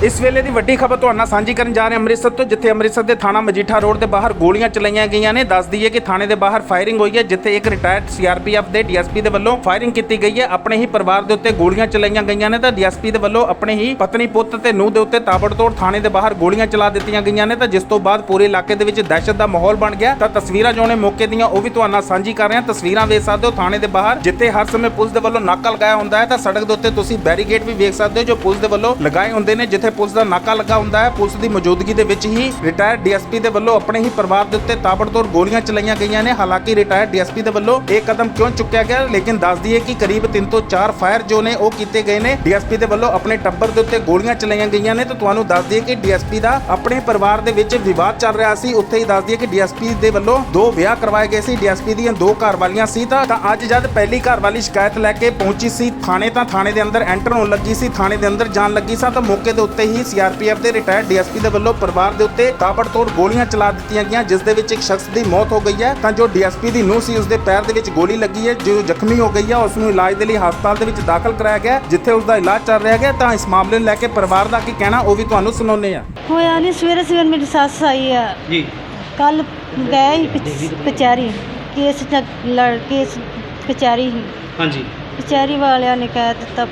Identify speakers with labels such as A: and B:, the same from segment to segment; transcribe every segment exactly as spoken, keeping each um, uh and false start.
A: इस वेले की वड्डी खबर तुहाडे नाल सांझी करन जा रहे अमृतसर तो, जिथे अमृतसर के थाना मजीठा रोड के बाहर गोलियां चलाईयां गईयां ने। दस दईए कि थाने के बाहर फायरिंग हुई है, जिथे एक retired C R P F के डी एस पी के वल्लों फायरिंग की गई है। अपने ही परिवार के उत्ते गोलियां चलाईयां गईयां ने, तो डी एस पी के वल्लों अपने ही पत्नी पुत ते नूह के उत्ते ताबड़तोड़ थाने के बाहर गोलियां चला दित्तियां गईयां ने। तो जिस तो बाद पूरे इलाके दे विच दहशत का माहौल बन गया। तो तस्वीरां जो ने मौके दीयां ओह भी तुहाडे नाल सांझी कर रहे हैं। तस्वीरां वेख सकदे हो थाने के बाहर, जिथे हर समय पुलिस के वल्लों नाका लगाया हुंदा है। तो सड़क के उत्ते तुसीं बैरीगेड भी वेख सकदे हो जो पुलिस के वल्लों लगाए हुंदे ने, जिथे पुलिस का नाका लगा हुंदा है। पुलिस की मौजूदगी दे विच ही रिटायर्ड डी एस पी के वल्लों अपने ही परिवार के उत्ते ताबड़तोड़ गोलियां चलाईयां गईयां ने। हालांकि रिटायर्ड डी एस पी के वल्लों एक कदम क्यों चुक्या गया, लेकिन दस दईए कि करीब तीन तो चार फायर जो ने वो कीते गए ने। डी एस पी के वल्लों अपने टब्बर के उत्ते गोलियां चलाईयां गईयां ने। तो तुहानूं दस दईए कि डी एस पी का अपने परिवार के विच विवाद चल रहा सी। उत्थे ही दस दईए कि डी एस पी के वल्लों दो विआह करवाए गए सी। डी एस पी दीयां दो घर वालियां सी। तां अज जद पहली घर वाली शिकायत लैके पहुंची सी थाने, तां थाने के अंदर एंटर होने लगी सी, थाने के अंदर जान लगी सा, तो मौके के उत्ते ही सी आर पी एफ के रिटायर्ड डी एस पी के वल्लों परिवार के उत्ते ताबड़तोड़ गोलियां चला दित्तियां गईयां, जिस दे विच एक शख्स की मौत हो गई है। तां जो डी एस पी की नूह सी उसके पैर दे विच गोली लगी है, जो जख्मी हो गई है। उसनूं इलाज के लिए हस्पताल दे विच दाखिल कराया गया, जिथे उसका इलाज चल रहा है। तां इस मामले नूं लैके परिवार का की कहना वो भी तुहानूं सुणाउने आ।
B: होया नहीं, सवेरे सवेरे मेरी सस आई है
C: जी,
B: कल गए कचहरी केस च लड़ केस कचहरी ही
C: हाँ जी।
B: कचहरी वालिया ने कह दिता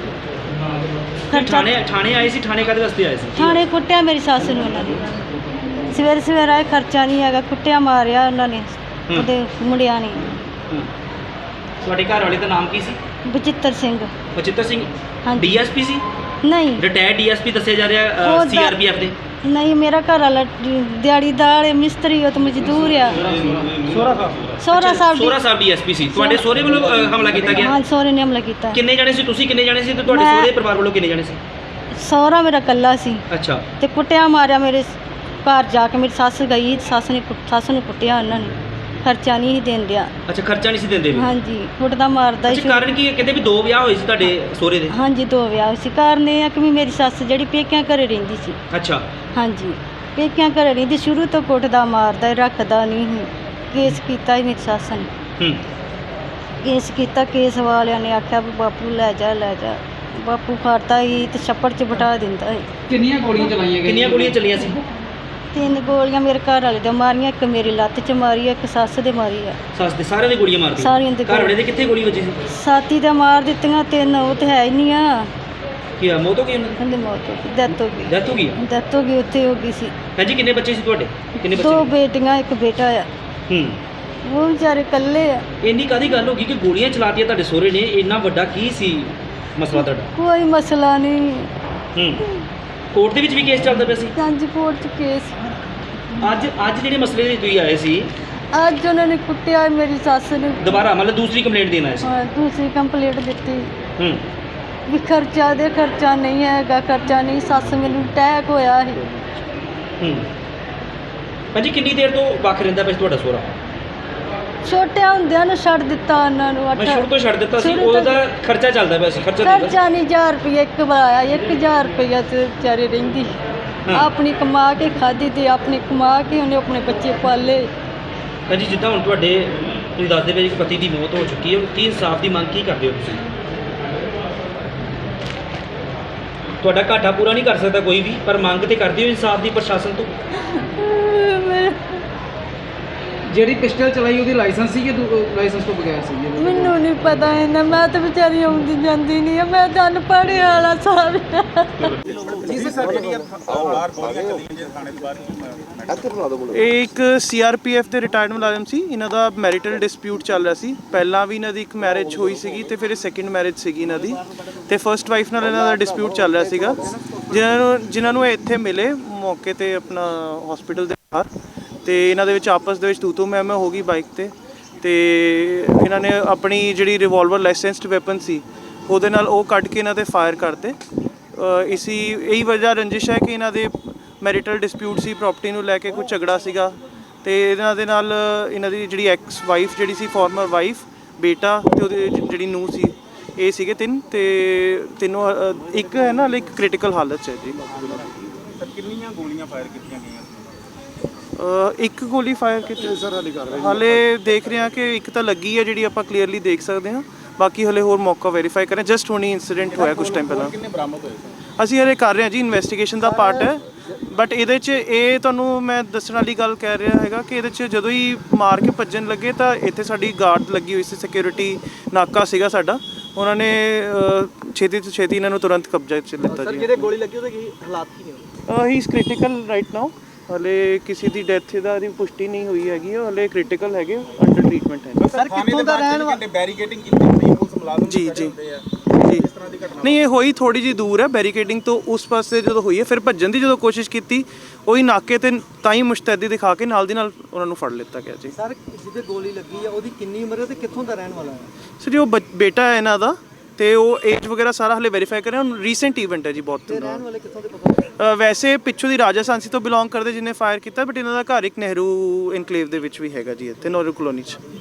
C: थाने थाने आए सी, थाने काहदे वास्ते आए सी?
B: थाने कुट्टिया मेरी सस नूं उन्हां ने सवेरे सवेरे आए, खर्चा नहीं हैगा, कुट्टिया मारिया उन्होंने ਉਹਦੇ ਮੁੰਡਿਆਂ ਨੇ।
C: ਤੁਹਾਡੇ ਘਰ ਵਾਲੇ ਦਾ ਨਾਮ ਕੀ ਸੀ?
B: ਬਚਿੱਤਰ ਸਿੰਘ।
C: ਬਚਿੱਤਰ ਸਿੰਘ
B: ਹਾਂਜੀ।
C: ਡੀ ਐਸ ਪੀ ਸੀ?
B: ਨਹੀਂ,
C: ਰਿਟਾਇਰਡ ਡੀ ਐਸ ਪੀ ਦੱਸਿਆ ਜਾ ਰਿਹਾ ਸੀ ਆਰ ਪੀ ਐਫ ਦੇ।
B: ਨਹੀਂ, ਮੇਰਾ ਘਰ ਵਾਲਾ ਦਿਹਾੜੀਦਾਰ ਹੈ, ਮਿਸਤਰੀ, ਉਹ ਤਾਂ ਮਜ਼ਦੂਰ ਆ।
C: ਸੋਹਰਾ ਸਾਹਿਬ
B: ਸੋਹਰਾ ਸਾਹਿਬ
C: ਸੋਹਰਾ ਸਾਹਿਬ ਡੀ ਐਸ ਪੀ ਸੀ। ਤੁਹਾਡੇ ਸੋਹਰੇ ਵੱਲੋਂ ਹਮਲਾ ਕੀਤਾ ਗਿਆ?
B: ਹਾਂ, ਸੋਹਰੇ ਨੇ ਹਮਲਾ ਕੀਤਾ।
C: ਕਿੰਨੇ ਜਣੇ ਸੀ ਤੁਸੀਂ? ਕਿੰਨੇ ਜਣੇ ਸੀ ਤੇ ਤੁਹਾਡੇ ਸੋਹਰੇ ਪਰਿਵਾਰ ਵੱਲੋਂ ਕਿੰਨੇ ਜਣੇ ਸੀ?
B: ਸੋਹਰਾ ਮੇਰਾ ਇਕੱਲਾ ਸੀ।
C: ਅੱਛਾ।
B: ਤੇ ਕੁੱਟਿਆ ਮਾਰਿਆ ਮੇਰੇ ਘਰ ਜਾ ਕੇ। ਮੇਰੀ ਸੱਸ ਗਈ, ਸੱਸ ਨੇ ਸੱਸ ਨੂੰ ਕੁੱਟਿਆ ਉਹਨਾਂ ਨੇ, ਖਰਚਾ ਨਹੀਂ ਸੀ ਦੇਣ ਡਿਆ।
C: ਅੱਛਾ, ਖਰਚਾ ਨਹੀਂ ਸੀ ਦਿੰਦੇ ਵੀ?
B: ਹਾਂਜੀ, ਕੁੱਟਦਾ ਮਾਰਦਾ
C: ਸੀ। ਕਾਰਨ ਕੀ ਹੈ? ਕਹਿੰਦੇ ਵੀ ਦੋ ਵਿਆਹ ਹੋਏ ਸੀ ਤੁਹਾਡੇ ਸੋਹਰੇ ਦੇ?
B: ਹਾਂਜੀ, ਦੋ ਵਿਆਹ ਸੀ। ਕਾਰਨ ਇਹ ਆ ਕਿ ਵੀ ਮੇਰੀ ਸੱਸ ਜਿਹੜੀ ਪੇਕਿਆਂ ਘਰੇ ਰਹਿੰਦੀ ਸੀ।
C: ਅੱਛਾ।
B: ਹਾਂਜੀ, ਪੇਕਿਆਂ ਘਰੇ ਰਹਿੰਦੀ, ਸ਼ੁਰੂ ਤੋਂ ਕੁੱਟਦਾ ਮਾਰਦਾ, ਰੱਖਦਾ ਨਹੀਂ ਸੀ। ਕੇਸ ਕੀਤਾ ਸੀ ਮੇਰੀ ਸੱਸ ਨੇ।
C: ਹੂੰ।
B: ਕੇਸ ਕੀਤਾ, ਕੇਸ ਵਾਲਿਆਂ ਨੇ ਆਖਿਆ ਵੀ ਬਾਪੂ ਲੈ ਜਾ ਲੈ ਜਾ। ਬਾਪੂ ਫੜਦਾ ਹੀ ਤੇ ਛੱਪੜ 'ਚ ਬਿਠਾ ਦਿੰਦਾ ਸੀ।
D: ਕਿੰਨੀਆਂ ਗੋਲੀਆਂ ਚਲਾਈਆਂ ਗਈਆਂ?
C: ਕਿੰਨੀਆਂ ਗੋਲੀਆਂ ਚੱਲੀਆਂ ਸੀ?
B: ਤਿੰਨ ਗੋਲੀਆਂ ਮੇਰੇ ਘਰ ਵਾਲੇ ਦੇ ਮਾਰੀਆਂ, ਇੱਕ ਮੇਰੀ ਲੱਤ 'ਚ ਮਾਰੀ ਆ, ਇੱਕ ਸੱਸ ਦੇ ਮਾਰੀ ਆ।
C: ਸੱਸ ਦੇ ਸਾਰਿਆਂ ਦੇ ਗੋਲੀਆਂ ਮਾਰਦੀਆਂ?
B: ਸਾਰਿਆਂ ਦੇ।
C: ਘਰ ਵਾਲੇ ਦੇ ਕਿੱਥੇ ਗੋਲੀ ਵੱਜੀ ਸੀ?
B: ਸਾਥੀ ਦੇ ਮਾਰ ਦਿੱਤੀਆਂ ਤਿੰਨ, ਉਹ ਤੇ ਹੈ ਹੀ ਨਹੀਂ ਆ।
C: ਕੀ ਆ, ਮੌਤ ਹੋ ਗਈ ਉਹਨਾਂ ਦੀ?
B: ਕਹਿੰਦੇ ਮੌਤ ਹੋ ਗਈ, ਡੈਥ ਹੋ ਗਈ।
C: ਡੈਥ ਹੋ ਗਈ?
B: ਡੈਥ ਹੋ ਗਈ, ਉੱਥੇ ਹੋ ਗਈ ਸੀ।
C: ਹਾਂ ਜੀ। ਕਿੰਨੇ ਬੱਚੇ ਸੀ ਤੁਹਾਡੇ? ਕਿੰਨੇ ਬੱਚੇ?
B: ਦੋ ਬੇਟੀਆਂ, ਇੱਕ ਬੇਟਾ ਆ।
C: ਹੂੰ।
B: ਉਹ ਵਿਚਾਰੇ ਇਕੱਲੇ ਆ।
C: ਇੰਨੀ ਕਾਹਦੀ ਗੱਲ ਹੋ ਗਈ ਕਿ ਗੋਲੀਆਂ ਚਲਾਤੀਆਂ ਤੁਹਾਡੇ ਸਹੁਰੇ ਨੇ? ਇੰਨਾ ਵੱਡਾ ਕੀ ਸੀ ਮਸਲਾ ਤੁਹਾਡਾ?
B: ਕੋਈ ਮਸਲਾ ਨਹੀਂ।
C: ਹੂੰ। ਕੋਰਟ ਦੇ ਵਿੱਚ ਵੀ ਕੇਸ ਚੱਲਦਾ ਪਿਆ ਸੀ?
B: ਹਾਂਜੀ, ਕੋਰਟ 'ਚ ਕੇਸ।
C: ਅੱਜ ਅੱਜ ਜਿਹੜੇ ਮਸਲੇ ਦੇ ਤੁਸੀਂ ਆਏ ਸੀ,
B: ਅੱਜ ਉਹਨਾਂ ਨੇ ਕੁੱਟਿਆ ਮੇਰੀ ਸੱਸ ਨੇ।
C: ਦੁਬਾਰਾ ਮਤਲਬ ਦੂਸਰੀ ਕੰਪਲੇਂਟ ਦੇਣ ਆਏ ਸੀ?
B: ਹਾਂ, ਦੂਸਰੀ ਕੰਪਲੀਟ ਦਿੱਤੀ
C: ਹੂੰ।
B: ਵੀ ਖਰਚਾ ਦੇ, ਖਰਚਾ ਨਹੀਂ ਹੈਗਾ, ਖਰਚਾ ਨਹੀਂ। ਸੱਸ ਮੈਨੂੰ ਅਟੈਕ ਹੋਇਆ ਸੀ।
C: ਹੂੰ। ਭਾਜੀ ਕਿੰਨੀ ਦੇਰ ਤੋਂ ਵੱਖ ਰਹਿੰਦਾ ਪਿਆ ਸੀ ਤੁਹਾਡਾ ਸਹੁਰਾ?
B: ਛੋਟਿਆਂ ਹੁੰਦਿਆਂ ਨੂੰ ਛੱਡ ਦਿੱਤਾ ਉਹਨਾਂ ਨੂੰ।
C: ਮੈਂ ਸ਼ੁਰੂ ਤੋਂ ਛੱਡ ਦਿੱਤਾ ਸੀ।
B: ਸ਼ੁਰੂ ਤੋਂ
C: ਉਹਦਾ ਖਰਚਾ ਚੱਲਦਾ ਪਿਆ ਸੀ? ਖਰਚਾ ਦਿੰਦਾ ਸੀ?
B: ਖਰਚਾ ਨਹੀਂ, ਹਜ਼ਾਰ ਰੁਪਈਆ ਇੱਕ ਵਾਰ ਆਇਆ, ਇੱਕ ਹਜ਼ਾਰ ਰੁਪਈਆ ਤੇ ਵਿਚਾਰੇ ਰਹਿੰਦੀ। ਆਪਣੀ ਕਮਾ ਕੇ ਖਾਧੀ ਤੇ ਆਪਣੀ ਕਮਾ ਕੇ ਉਹਨੇ ਆਪਣੇ ਬੱਚੇ ਪਾਲੇ।
C: ਭਾਜੀ ਜਿੱਦਾਂ ਹੁਣ ਤੁਹਾਡੇ ਤੁਸੀਂ ਦੱਸਦੇ ਪਏ ਕਿ ਪਤੀ ਦੀ ਮੌਤ ਹੋ ਚੁੱਕੀ ਹੈ, ਕੀ ਇਨਸਾਫ ਦੀ ਮੰਗ ਕੀ ਕਰਦੇ ਹੋ ਤੁਸੀਂ? ਤੁਹਾਡਾ ਘਾਟਾ ਪੂਰਾ ਨਹੀਂ ਕਰ ਸਕਦਾ ਕੋਈ ਵੀ, ਪਰ ਮੰਗ ਤੇ ਕਰਦੇ ਹੋ ਇਨਸਾਫ ਦੀ ਪ੍ਰਸ਼ਾਸਨ ਤੋਂ?
D: ਜਿਹੜੀ ਪਿਸਟਲ ਚਲਾਈ ਉਹਦੀ ਲਾਇਸੈਂਸ ਸੀ ਕਿ ਲਾਇਸੈਂਸ ਤੋਂ ਬਗੈਰ ਸੀ?
B: ਮੈਨੂੰ ਨਹੀਂ ਪਤਾ ਇਹਨਾਂ, ਮੈਂ ਤਾਂ ਵਿਚਾਰੀ ਆਉਂਦੀ ਜਾਂਦੀ ਨਹੀਂ ਆ, ਮੈਂ ਤਾਂ ਅਨਪੜ੍ਹ ਵਾਲਾ ਸਾਰਾ।
E: ਇਹ ਇੱਕ ਸੀ ਆਰ ਪੀ ਐਫ ਦੇ ਰਿਟਾਇਰਡ ਮੁਲਾਜ਼ਮ ਸੀ। ਇਹਨਾਂ ਦਾ ਮੈਰਿਟਲ ਡਿਸਪਿਊਟ ਚੱਲ ਰਿਹਾ ਸੀ। ਪਹਿਲਾਂ ਵੀ ਇਹਨਾਂ ਦੀ ਇੱਕ ਮੈਰਿਜ ਹੋਈ ਸੀਗੀ ਤੇ ਫਿਰ ਇਹ ਸੈਕਿੰਡ ਮੈਰਿਜ ਸੀਗੀ ਇਹਨਾਂ ਦੀ, ਤੇ ਫਰਸਟ ਵਾਈਫ ਨਾਲ ਇਹਨਾਂ ਦਾ ਡਿਸਪਿਊਟ ਚੱਲ ਰਿਹਾ ਸੀਗਾ, ਜਿਨ੍ਹਾਂ ਨੂੰ ਜਿਨ੍ਹਾਂ ਨੂੰ ਇਹ ਇੱਥੇ ਮਿਲੇ ਮੌਕੇ 'ਤੇ ਆਪਣਾ ਹਸਪੀਟਲ ਦੇ ਬਾਹਰ, ਤੇ ਇਹਨਾਂ ਦੇ ਵਿੱਚ ਆਪਸ ਦੇ ਵਿੱਚ ਤੂ ਤੂ ਮੈਂ ਮੈਂ ਹੋ ਗਈ ਬਾਈਕ 'ਤੇ। ਤੇ ਇਹਨਾਂ ਨੇ ਆਪਣੀ ਜਿਹੜੀ ਰਿਵਾਲਵਰ ਲਾਇਸੈਂਸਡ ਵੈਪਨ ਸੀ ਉਹਦੇ ਨਾਲ ਉਹ ਕੱਢ ਕੇ ਇਹਨਾਂ 'ਤੇ ਫਾਇਰ ਕਰਤੇ। ਇਸੀ ਇਹੀ ਵਜ੍ਹਾ ਰੰਜਿਸ਼ ਹੈ ਕਿ ਇਹਨਾਂ ਦੇ ਮੈਰਿਟਲ ਡਿਸਪਿਊਟ ਸੀ, ਪ੍ਰਾਪਰਟੀ ਨੂੰ ਲੈ ਕੇ ਕੋਈ ਝਗੜਾ ਸੀਗਾ, ਤੇ ਇਹਨਾਂ ਦੇ ਨਾਲ ਇਹਨਾਂ ਦੀ ਜਿਹੜੀ ਐਕਸ ਵਾਈਫ ਜਿਹੜੀ ਸੀ, ਫਾਰਮਰ ਵਾਈਫ, ਬੇਟਾ ਤੇ ਉਹਦੀ ਜਿਹੜੀ ਨੂੰਹ ਸੀ, ਇਹ ਸੀਗੇ ਤਿੰਨ, ਤੇ ਤਿੰਨੋਂ ਇੱਕ ਹੈ ਨਾ ਇੱਕ ਕ੍ਰਿਟੀਕਲ ਹਾਲਤ 'ਚ ਹੈ ਜੀ।
A: ਕਿੰਨੀਆਂ ਗੋਲੀਆਂ ਫਾਇਰ ਕੀਤੀਆਂ ਗਈਆਂ?
E: ਇੱਕ ਗੋਲੀ ਫਾਇਰ ਕੀਤੀ ਸਰ, ਹਾਲੇ ਕਰ ਰਹੇ ਹਾਲੇ ਦੇਖ ਰਹੇ ਹਾਂ ਕਿ ਇੱਕ ਤਾਂ ਲੱਗੀ ਹੈ ਜਿਹੜੀ ਆਪਾਂ ਕਲੀਅਰਲੀ ਦੇਖ ਸਕਦੇ ਹਾਂ, ਬਾਕੀ ਹਲੇ ਹੋਰ ਮੌਕਾ ਵੈਰੀਫਾਈ ਕरें। ਜਸਟ ਹੁਣੀ ਇਨਸੀਡੈਂਟ ਹੋਇਆ ਕੁਝ ਟਾਈਮ ਪਹਿਲਾਂ।
A: ਕਿੰਨੇ ਬਰਾਮਦ ਹੋਏ?
E: ਅਸੀਂ ਹਲੇ ਕਰ ਰਹੇ ਹਾਂ ਜੀ, ਇਨਵੈਸਟੀਗੇਸ਼ਨ ਦਾ ਪਾਰਟ ਹੈ। ਬਟ ਇਹਦੇ 'ਚ ਇਹ ਤੁਹਾਨੂੰ ਮੈਂ ਦੱਸਣ ਵਾਲੀ ਗੱਲ ਕਹਿ ਰਿਹਾ ਹੈਗਾ ਕਿ ਇਹਦੇ 'ਚ ਜਦੋਂ ਹੀ ਮਾਰ ਕੇ ਭੱਜਣ ਲੱਗੇ ਤਾਂ ਇੱਥੇ ਸਾਡੀ ਗਾਰਡ ਲੱਗੀ ਹੋਈ ਸੀ, ਸਿਕਿਉਰਿਟੀ ਨਾਕਾ ਸੀਗਾ ਸਾਡਾ। ਉਹਨਾਂ ਨੇ ਅ, ਛੇਤੀ ਤੋਂ ਛੇਤੀ ਇਹਨਾਂ ਨੂੰ ਤੁਰੰਤ ਕਬਜ਼ਾ 'ਚ ਲਿੱਤਾ ਜੀ।
D: ਜਿਹਦੇ ਗੋਲੀ ਲੱਗੀ ਉਹਦੇ ਕੀ ਹਾਲਾਤ ਕੀ ਨੇ?
E: He is critical right now. ਹਲੇ ਕਿਸੇ ਦੀ ਡੈਥ ਦਾ ਦੀ ਪੁਸ਼ਟੀ ਨਹੀਂ ਹੋਈ ਹੈਗੀ, ਹਲੇ ਕ੍ਰਿਟੀਕਲ ਹੈਗੇ, ਅੰਡਰ ਟ੍ਰੀਟਮੈਂਟ ਹੈ।
D: ਸਰ ਕਿੱਥੋਂ ਦਾ ਰਹਿਣ ਵਾਲਾ?
A: ਬੈਰੀਕੇਡਿੰਗ ਕੀਤੀ ਹੋਈ ਪੁਲਿਸ ਮੁਲਾਜ਼ਮ
E: ਜੀ ਜੀ ਜੀ ਨਹੀਂ, ਇਹ ਹੋਈ ਥੋੜੀ ਜਿਹੀ ਦੂਰ ਹੈ ਬੈਰੀਕੇਡਿੰਗ ਤੋਂ। ਉਸ ਪਾਸੇ ਜਦੋਂ ਹੋਈ ਹੈ ਫਿਰ ਭੱਜਣ ਦੀ ਜਦੋਂ ਕੋਸ਼ਿਸ਼ ਕੀਤੀ, ਉਹੀ ਨਾਕੇ ਤੇ ਤਾਂ ਹੀ ਮੁਸ਼ਤੈਦੀ ਦਿਖਾ ਕੇ ਨਾਲ ਦੀ ਨਾਲ ਉਹਨਾਂ ਨੂੰ ਫੜ ਲਿੱਤਾ ਗਿਆ ਜੀ।
D: ਸਰ ਜਿਹਦੇ ਗੋਲੀ ਲੱਗੀ ਆ ਉਹਦੀ ਕਿੰਨੀ ਉਮਰ ਹੈ ਤੇ ਕਿੱਥੋਂ ਦਾ ਰਹਿਣ ਵਾਲਾ ਹੈ?
E: ਸਰ ਜੀ ਉਹ ਬੱਚ- ਬੇਟਾ ਹੈ ਇਹਨਾਂ ਦਾ, ਤੇ ਉਹ ਏਜ ਵਗੈਰਾ ਸਾਰਾ ਹਲੇ ਵੈਰੀਫਾਈ ਕਰ ਰਹੇ ਹਾਂ। ਰੀਸੈਂਟ ਇਵੈਂਟ ਹੈ ਜੀ ਬਹੁਤ।
D: ਤੇ ਰਹਿਣ ਵਾਲੇ ਕਿੱਥੋਂ ਦੇ ਪਤਾ?
E: ਅ, ਵੈਸੇ ਪਿੱਛੋਂ ਦੀ ਰਾਜਸਥਾਨੀ ਤੋਂ ਬਿਲੋਂਗ ਕਰਦੇ ਜਿਹਨੇ ਫਾਇਰ ਕੀਤਾ, ਬਟ ਇਹਨਾਂ ਦਾ ਘਰ ਇੱਕ ਨਹਿਰੂ ਇਨਕਲੇਵ ਦੇ ਵਿੱਚ ਵੀ ਹੈਗਾ ਜੀ, ਇੱਥੇ ਨਹਿਰੂ ਕਲੋਨੀ 'ਚ।